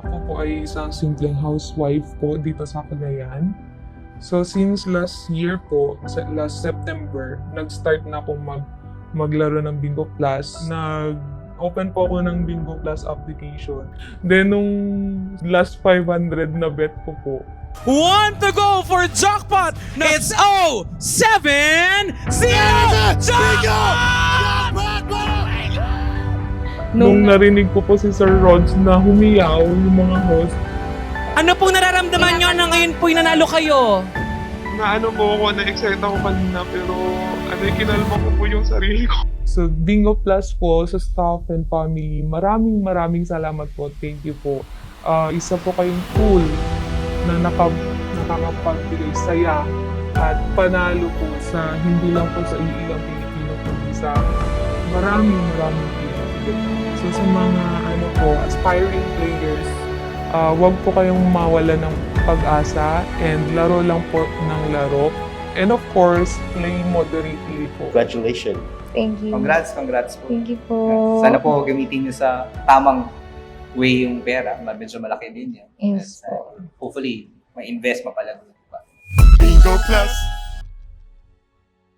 Ako po ay isang simpleng housewife po dito sa Cagayan. So since last year po, last September, nag-start na akong maglaro ng Bingo Plus. Nag-open po ako ng Bingo Plus application. Then nung last 500 na bet ko po, One to go for jackpot. It's 070 jackpot! nung narinig ko po si Sir Rods na humiyaw yung mga host, Ano pong nararamdaman nyo na ngayon po'y nanalo kayo? na ano po ako, na-excite ako kanina pero kinalma ko po yung sarili ko. So Bingo Plus po sa staff and family, maraming salamat po. Thank you po. Isa po kayong tool na nakakapagbigay saya at panalo po sa hindi lang po sa iilang Pilipino kundi sa maraming Pilipino. So sa mga aspiring players, wag po kayong mawala ng pag-asa and laro lang po ng laro. And of course, play moderately po. Congratulations. Thank you. Congrats po. Thank you po. Sana po gamitin niyo sa tamang way yung pera. Medyo malaki din yan. Yes Hopefully, ma-invest, mapalago pa. Bingo Plus.